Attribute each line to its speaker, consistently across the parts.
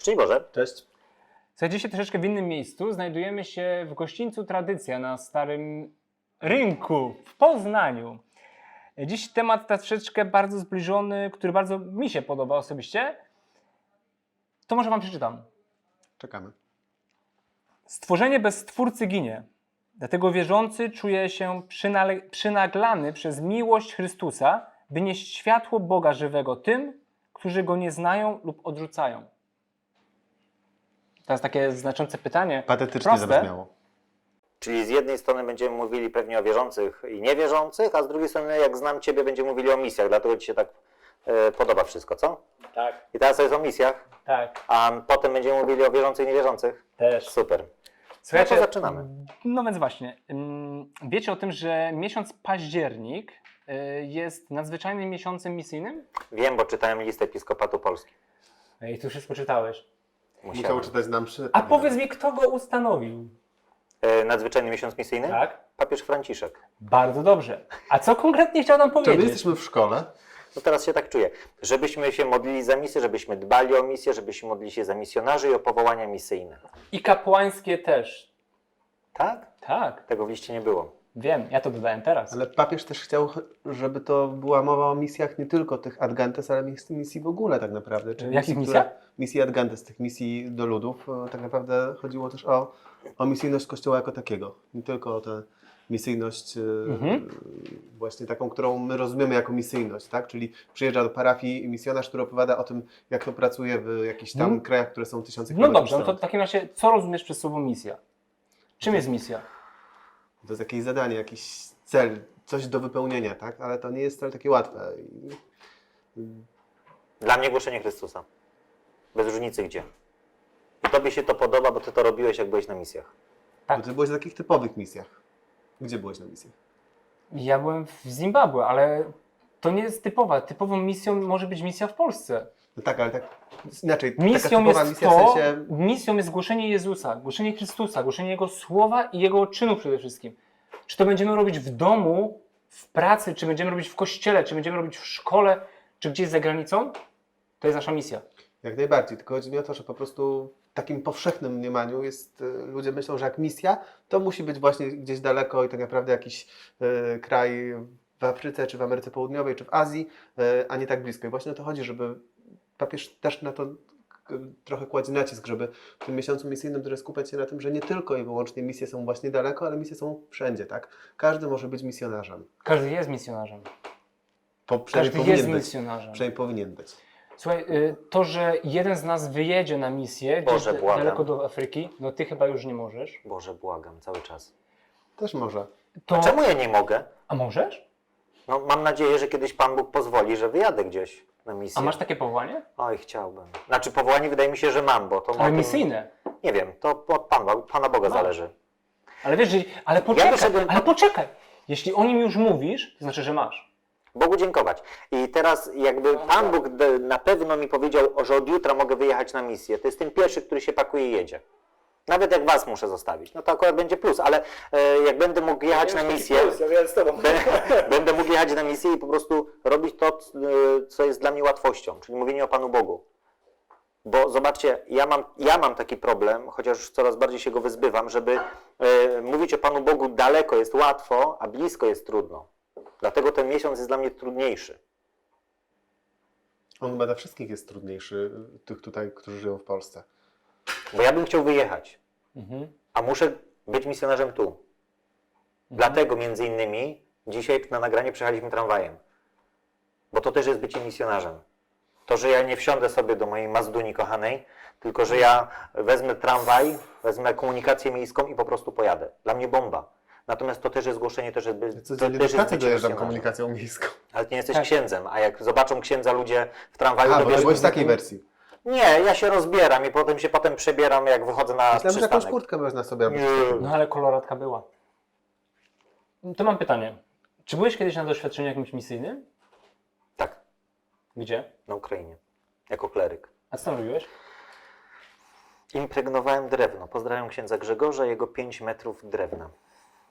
Speaker 1: Szczęść Boże.
Speaker 2: Cześć.
Speaker 3: Słuchajcie, dzisiaj troszeczkę w innym miejscu. Znajdujemy się w gościńcu Tradycja na Starym Rynku w Poznaniu. Dziś temat troszeczkę bardzo zbliżony, który bardzo mi się podoba osobiście. To może wam przeczytam.
Speaker 2: Czekamy.
Speaker 3: Stworzenie bez Stwórcy ginie. Dlatego wierzący czuje się przynaglany przez miłość Chrystusa, by nieść światło Boga żywego tym, którzy Go nie znają lub odrzucają. To jest takie znaczące pytanie.
Speaker 2: Patetycznie
Speaker 3: Proste.
Speaker 2: zabrzmiało.
Speaker 1: Czyli z jednej strony będziemy mówili pewnie o wierzących i niewierzących, a z drugiej strony, jak znam Ciebie, będziemy mówili o misjach. Dlatego Ci się tak podoba wszystko, co?
Speaker 3: Tak,
Speaker 1: I teraz jest o misjach,
Speaker 3: tak,
Speaker 1: a potem będziemy mówili o wierzących i niewierzących.
Speaker 3: też.
Speaker 1: Super.
Speaker 3: Słuchajcie,
Speaker 1: No to zaczynamy.
Speaker 3: No więc właśnie, wiecie o tym, że miesiąc październik jest nadzwyczajnym miesiącem misyjnym?
Speaker 1: Wiem, bo czytałem list Episkopatu Polski.
Speaker 3: I tu wszystko czytałeś.
Speaker 2: Musiał czytać nam przy...
Speaker 3: A powiedz mi, kto go ustanowił?
Speaker 1: Nadzwyczajny miesiąc misyjny?
Speaker 3: Tak?
Speaker 1: Papież Franciszek.
Speaker 3: Bardzo dobrze. A co konkretnie chciał nam
Speaker 2: Czy my
Speaker 3: powiedzieć?
Speaker 2: jesteśmy w szkole?
Speaker 1: No teraz się tak czuję. Żebyśmy się modlili za misję, żebyśmy dbali o misję, żebyśmy modlili się za misjonarzy i o powołania misyjne.
Speaker 3: I kapłańskie też.
Speaker 1: Tak?
Speaker 3: Tak,
Speaker 1: Tego w liście nie było.
Speaker 3: wiem, ja to dodałem teraz.
Speaker 2: Ale papież też chciał, żeby to była mowa o misjach nie tylko tych Ad Gentes, ale misji w ogóle tak naprawdę. Czyli
Speaker 3: Jakich
Speaker 2: misji,
Speaker 3: misjach?
Speaker 2: Misji Ad Gentes, tych misji do ludów. Tak naprawdę chodziło też o misyjność Kościoła jako takiego. Nie tylko o tę misyjność właśnie taką, którą my rozumiemy jako misyjność, tak? Czyli przyjeżdża do parafii misjonarz, który opowiada o tym, jak to pracuje w jakichś tam krajach, które są tysiące
Speaker 3: No
Speaker 2: kilometrów
Speaker 3: dobrze, no to
Speaker 2: stąd.
Speaker 3: w takim razie, co rozumiesz przez słowo misja? Czym jest misja?
Speaker 2: To jest jakieś zadanie, jakiś cel, coś do wypełnienia, tak? Ale to nie jest wcale takie łatwe.
Speaker 1: Dla mnie głoszenie Chrystusa. Bez różnicy gdzie. I Tobie się to podoba, bo Ty to robiłeś, jak byłeś na misjach.
Speaker 3: Tak.
Speaker 2: Bo ty byłeś na takich typowych misjach. Gdzie byłeś na misjach?
Speaker 3: Ja byłem w Zimbabwe, ale to nie jest typowa. Typową misją może być misja w Polsce.
Speaker 2: No tak, ale tak inaczej. Taka
Speaker 3: Misją
Speaker 2: typowa
Speaker 3: jest
Speaker 2: misja
Speaker 3: to,
Speaker 2: w sensie...
Speaker 3: misją jest głoszenie Jezusa, głoszenie Chrystusa, głoszenie Jego słowa i Jego czynów przede wszystkim. Czy to będziemy robić w domu, w pracy, czy będziemy robić w kościele, czy będziemy robić w szkole, czy gdzieś za granicą, to jest nasza misja.
Speaker 2: Jak najbardziej, tylko chodzi mi o to, że po prostu w takim powszechnym mniemaniu jest, ludzie myślą, że jak misja, to musi być właśnie gdzieś daleko i tak naprawdę jakiś kraj w Afryce, czy w Ameryce Południowej, czy w Azji, a nie tak blisko. I właśnie o to chodzi, żeby papież też na to trochę kładzie nacisk, żeby w tym miesiącu misyjnym trochę skupiać się na tym, że nie tylko i wyłącznie misje są właśnie daleko, ale misje są wszędzie, tak? Każdy może być misjonarzem.
Speaker 3: Każdy jest misjonarzem.
Speaker 2: Przynajmniej
Speaker 3: Każdy jest
Speaker 2: powinien być.
Speaker 3: misjonarzem.
Speaker 2: Przynajmniej powinien być.
Speaker 3: Słuchaj, to, że jeden z nas wyjedzie na misję gdzieś
Speaker 1: Boże, błagam.
Speaker 3: daleko do Afryki, no ty chyba już nie możesz.
Speaker 1: Boże, błagam, cały czas.
Speaker 2: Też może.
Speaker 3: To...
Speaker 1: Czemu ja nie mogę?
Speaker 3: A możesz?
Speaker 1: No, mam nadzieję, że kiedyś Pan Bóg pozwoli, że wyjadę gdzieś na misję.
Speaker 3: A masz takie powołanie?
Speaker 1: Oj, chciałbym. Znaczy powołanie wydaje mi się, że mam, bo to...
Speaker 3: Ale misyjne.
Speaker 1: Nie wiem, to od Pana Boga
Speaker 3: Masz.
Speaker 1: zależy.
Speaker 3: Ale wiesz, ale poczekaj,
Speaker 1: wyszedłem-
Speaker 3: ale poczekaj. Jeśli o nim już mówisz, to znaczy, że masz.
Speaker 1: Bogu dziękować. I teraz jakby Pan Bóg na pewno mi powiedział, że od jutra mogę wyjechać na misję. To jest ten pierwszy, który się pakuje i jedzie. Nawet jak Was muszę zostawić. No to akurat będzie plus, ale jak będę mógł jechać na misję, będę mógł jechać na misję i po prostu robić to, co jest dla mnie łatwością, czyli mówienie o Panu Bogu. Bo zobaczcie, ja mam taki problem, chociaż już coraz bardziej się go wyzbywam, żeby mówić o Panu Bogu daleko jest łatwo, a blisko jest trudno. Dlatego ten miesiąc jest dla mnie trudniejszy.
Speaker 2: On chyba dla wszystkich jest trudniejszy, tych tutaj, którzy żyją w Polsce.
Speaker 1: Bo ja bym chciał wyjechać,
Speaker 3: Mhm.
Speaker 1: a muszę być misjonarzem tu. Dlatego między innymi dzisiaj na nagranie przyjechaliśmy tramwajem. Bo to też jest bycie misjonarzem. To, że ja nie wsiądę sobie do mojej Mazduni kochanej, tylko że ja wezmę tramwaj, wezmę komunikację miejską i po prostu pojadę. Dla mnie bomba. Natomiast to też jest głoszenie, to
Speaker 2: Codziennie do
Speaker 1: też jest
Speaker 2: pracy
Speaker 1: bycie
Speaker 2: dojeżdżam
Speaker 1: misjonarzem.
Speaker 2: komunikacją miejską.
Speaker 1: Ale ty nie jesteś
Speaker 3: Tak.
Speaker 1: księdzem, a jak zobaczą księdza ludzie w tramwaju,
Speaker 2: A,
Speaker 1: to
Speaker 2: bo
Speaker 1: wiesz,
Speaker 2: byłeś w takiej wersji.
Speaker 1: nie, ja się rozbieram i potem przebieram, jak wychodzę na
Speaker 2: Myślałem, że jakąś
Speaker 1: przystanek.
Speaker 2: kurtkę można sobie robić.
Speaker 3: No ale koloratka była. To mam pytanie. Czy byłeś kiedyś na doświadczeniu jakimś misyjnym?
Speaker 1: Tak,
Speaker 3: Gdzie?
Speaker 1: na Ukrainie, jako kleryk.
Speaker 3: A co tam robiłeś?
Speaker 1: Impregnowałem drewno. Pozdrawiam księdza Grzegorza, jego 5 metrów drewna.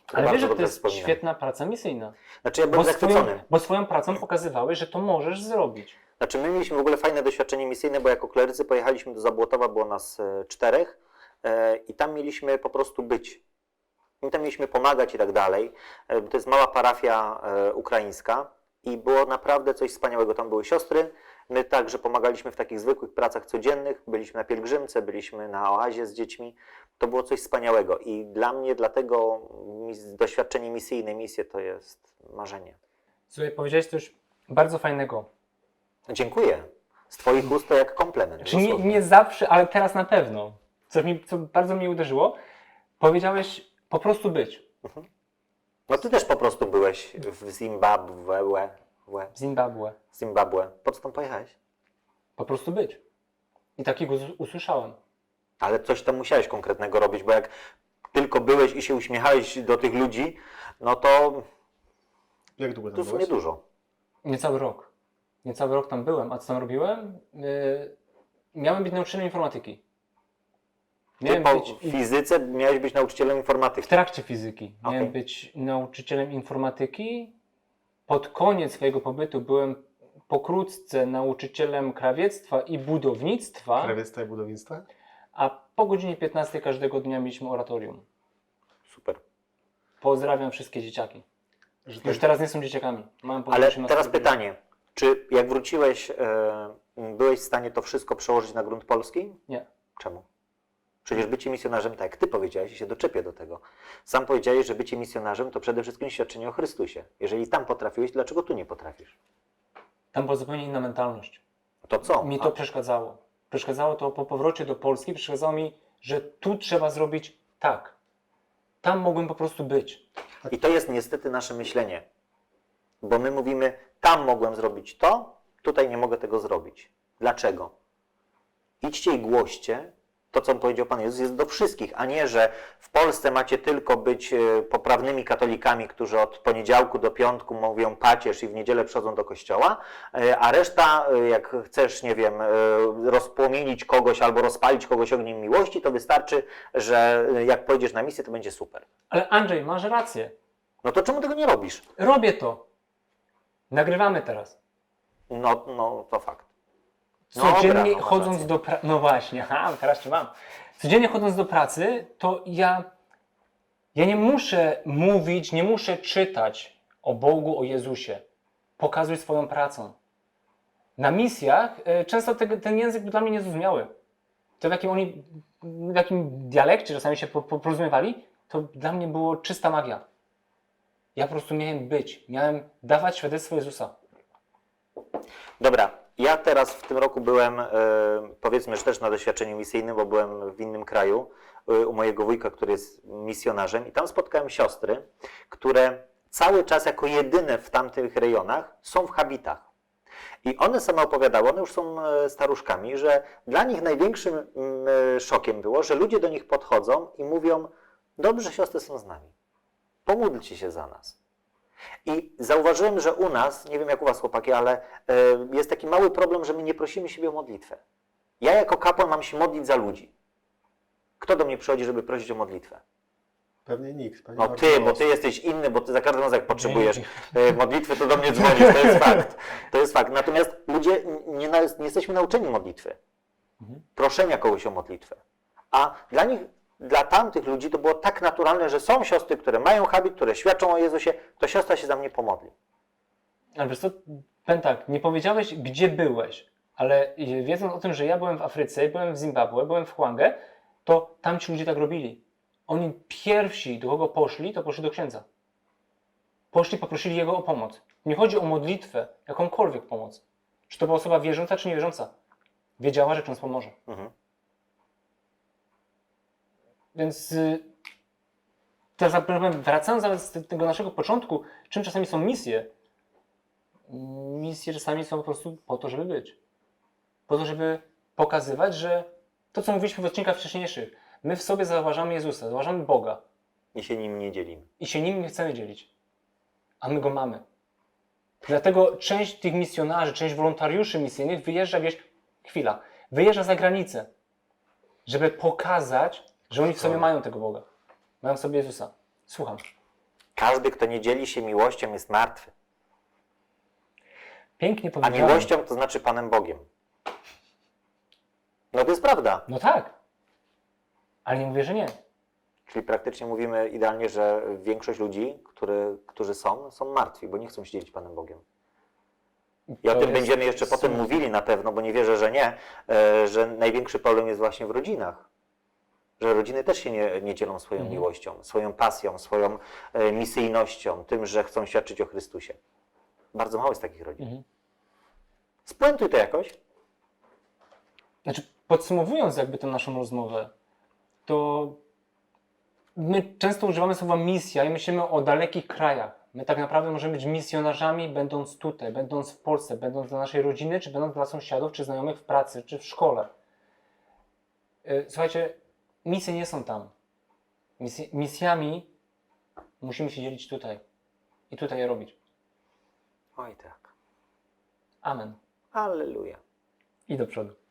Speaker 3: Ale
Speaker 1: bardzo
Speaker 3: wiesz, że to
Speaker 1: dobrze
Speaker 3: jest
Speaker 1: wspominam.
Speaker 3: świetna praca misyjna.
Speaker 1: Znaczy ja byłem zachwycony.
Speaker 3: Bo swoją pracą pokazywałeś, że to możesz zrobić.
Speaker 1: Znaczy my mieliśmy w ogóle fajne doświadczenie misyjne, bo jako klerycy pojechaliśmy do Zabłotowa, było nas 4 i tam mieliśmy po prostu być. I tam mieliśmy pomagać i tak dalej. To jest mała parafia ukraińska i było naprawdę coś wspaniałego. Tam były siostry. My także pomagaliśmy w takich zwykłych pracach codziennych. Byliśmy na pielgrzymce, byliśmy na oazie z dziećmi. To było coś wspaniałego i dla mnie dlatego doświadczenie misyjne, misje to jest marzenie.
Speaker 3: Słuchaj, powiedziałeś coś bardzo fajnego.
Speaker 1: Dziękuję. Z Twoich ust to jak komplement.
Speaker 3: Czy nie,
Speaker 1: dosłownie.
Speaker 3: nie zawsze, ale teraz na pewno. Co bardzo mnie uderzyło. Powiedziałeś po prostu być.
Speaker 1: No Ty też po prostu byłeś w Zimbabwe.
Speaker 3: W Zimbabwe.
Speaker 1: Zimbabwe. Po co tam pojechałeś?
Speaker 3: Po prostu być. I takiego usłyszałem.
Speaker 1: Ale coś tam musiałeś konkretnego robić, bo jak tylko byłeś i się uśmiechałeś do tych ludzi, no to
Speaker 2: Jak długo
Speaker 1: to
Speaker 2: tam
Speaker 1: w sumie
Speaker 2: byłeś?
Speaker 1: dużo.
Speaker 3: Niecały rok. Niecały rok tam byłem. A co tam robiłem? Miałem być nauczycielem informatyki.
Speaker 1: Ty po fizyce miałeś być nauczycielem
Speaker 3: W
Speaker 1: informatyki.
Speaker 3: trakcie fizyki. Miałem
Speaker 1: Okej.
Speaker 3: być nauczycielem informatyki. Pod koniec swojego pobytu byłem pokrótce nauczycielem krawiectwa i budownictwa,
Speaker 2: Krawiectwa i budownictwa?
Speaker 3: a po godzinie 15 każdego dnia mieliśmy oratorium.
Speaker 1: Super.
Speaker 3: Pozdrawiam wszystkie dzieciaki.
Speaker 2: Że
Speaker 3: Już teraz nie są dzieciakami. Mam po
Speaker 1: Ale
Speaker 3: 18
Speaker 1: teraz
Speaker 3: lat.
Speaker 1: pytanie. Czy jak wróciłeś, byłeś w stanie to wszystko przełożyć na grunt polski?
Speaker 3: Nie.
Speaker 1: Czemu? Przecież bycie misjonarzem, tak jak Ty powiedziałeś i się doczepię do tego. Sam powiedziałeś, że bycie misjonarzem to przede wszystkim świadczenie o Chrystusie. Jeżeli tam potrafiłeś, dlaczego tu nie potrafisz?
Speaker 3: Tam była zupełnie inna mentalność.
Speaker 1: To co?
Speaker 3: Mi to przeszkadzało. Przeszkadzało to po powrocie do Polski, przeszkadzało mi, że tu trzeba zrobić tak. Tam mogłem po prostu być.
Speaker 1: I to jest niestety nasze myślenie. Bo my mówimy, tam mogłem zrobić to, tutaj nie mogę tego zrobić. Dlaczego? Idźcie i głoście. To, co powiedział Pan Jezus, jest do wszystkich, a nie, że w Polsce macie tylko być poprawnymi katolikami, którzy od poniedziałku do piątku mówią pacierz i w niedzielę przychodzą do kościoła, a reszta, jak chcesz, nie wiem, rozpłomienić kogoś albo rozpalić kogoś ogniem miłości, to wystarczy, że jak pojedziesz na misję, to będzie super.
Speaker 3: Ale Andrzej, masz rację.
Speaker 1: No to czemu tego nie robisz?
Speaker 3: Robię to. Nagrywamy teraz.
Speaker 1: No to fakt. Dobra,
Speaker 3: Codziennie
Speaker 1: no masz
Speaker 3: chodząc
Speaker 1: rację.
Speaker 3: do pracy. No właśnie, teraz cię mam. Codziennie chodząc do pracy, to ja nie muszę mówić, nie muszę czytać o Bogu, o Jezusie. Pokazuj swoją pracą. Na misjach często ten język był dla mnie niezrozumiały. To w jakim dialekcie czasami się porozumiewali, to dla mnie było czysta magia. Ja po prostu miałem być, miałem dawać świadectwo Jezusa.
Speaker 1: Dobra, ja teraz w tym roku byłem, powiedzmy, że też na doświadczeniu misyjnym, bo byłem w innym kraju, u mojego wujka, który jest misjonarzem i tam spotkałem siostry, które cały czas jako jedyne w tamtych rejonach są w habitach. I one same opowiadały, one już są staruszkami, że dla nich największym szokiem było, że ludzie do nich podchodzą i mówią, dobrze, siostry są z nami, pomódlcie się za nas. I zauważyłem, że u nas, nie wiem jak u was chłopaki, ale jest taki mały problem, że my nie prosimy siebie o modlitwę. Ja jako kapłan mam się modlić za ludzi. Kto do mnie przychodzi, żeby prosić o modlitwę?
Speaker 2: Pewnie nikt. Pewnie
Speaker 1: No
Speaker 2: bardzo
Speaker 1: ty,
Speaker 2: mało
Speaker 1: bo ty jesteś inny, bo ty za każdym razem jak potrzebujesz modlitwy, to do mnie dzwonisz, to jest fakt. To jest fakt. Natomiast ludzie nie jesteśmy nauczeni modlitwy. Proszenia kogoś o modlitwę. A dla nich, dla tamtych ludzi to było tak naturalne, że są siostry, które mają habit, które świadczą o Jezusie, to siostra się za mnie pomodli.
Speaker 3: Ale wiesz co, powiem tak, nie powiedziałeś, gdzie byłeś, ale wiedząc o tym, że ja byłem w Afryce, byłem w Zimbabwe, byłem w Hwangę, to tam ci ludzie tak robili. Oni pierwsi, do kogo poszli, to poszli do księdza. Poszli, poprosili jego o pomoc. Nie chodzi o modlitwę, jakąkolwiek pomoc. Czy to była osoba wierząca, czy niewierząca. Wiedziała, że ksiądz pomoże. Więc teraz wracając do tego naszego początku, czym czasami są misje? Misje czasami są po prostu po to, żeby być. Po to, żeby pokazywać, że to, co mówiliśmy w odcinkach wcześniejszych, my w sobie zauważamy Jezusa, zauważamy Boga
Speaker 1: I się nim nie dzielimy.
Speaker 3: i się nim nie chcemy dzielić. A my Go mamy. Dlatego część tych misjonarzy, część wolontariuszy misyjnych wyjeżdża za granicę, żeby pokazać, że oni w sobie mają tego Boga. Mają w sobie Jezusa. Słucham.
Speaker 1: Każdy, kto nie dzieli się miłością, jest martwy.
Speaker 3: Pięknie
Speaker 1: A
Speaker 3: powiedziane.
Speaker 1: miłością to znaczy Panem Bogiem. No to jest prawda.
Speaker 3: No tak. Ale nie mówię, że nie.
Speaker 1: Czyli praktycznie mówimy idealnie, że większość ludzi, którzy są martwi, bo nie chcą się dzielić Panem Bogiem. I o
Speaker 3: To
Speaker 1: tym
Speaker 3: jest
Speaker 1: będziemy jeszcze potem
Speaker 3: smutne.
Speaker 1: mówili na pewno, bo nie wierzę, że nie, że największy problem jest właśnie w rodzinach. Że rodziny też się nie dzielą swoją miłością, swoją pasją, swoją misyjnością, tym, że chcą świadczyć o Chrystusie. Bardzo mało jest takich rodzin. Spuentuj to jakoś.
Speaker 3: Znaczy, podsumowując jakby tę naszą rozmowę, to my często używamy słowa misja i myślimy o dalekich krajach. My tak naprawdę możemy być misjonarzami, będąc tutaj, będąc w Polsce, będąc dla naszej rodziny, czy będąc dla sąsiadów, czy znajomych w pracy, czy w szkole. Słuchajcie, misje nie są tam. Misjami musimy się dzielić tutaj i tutaj je robić.
Speaker 1: Oj tak.
Speaker 3: Amen.
Speaker 1: Alleluja.
Speaker 3: I do przodu.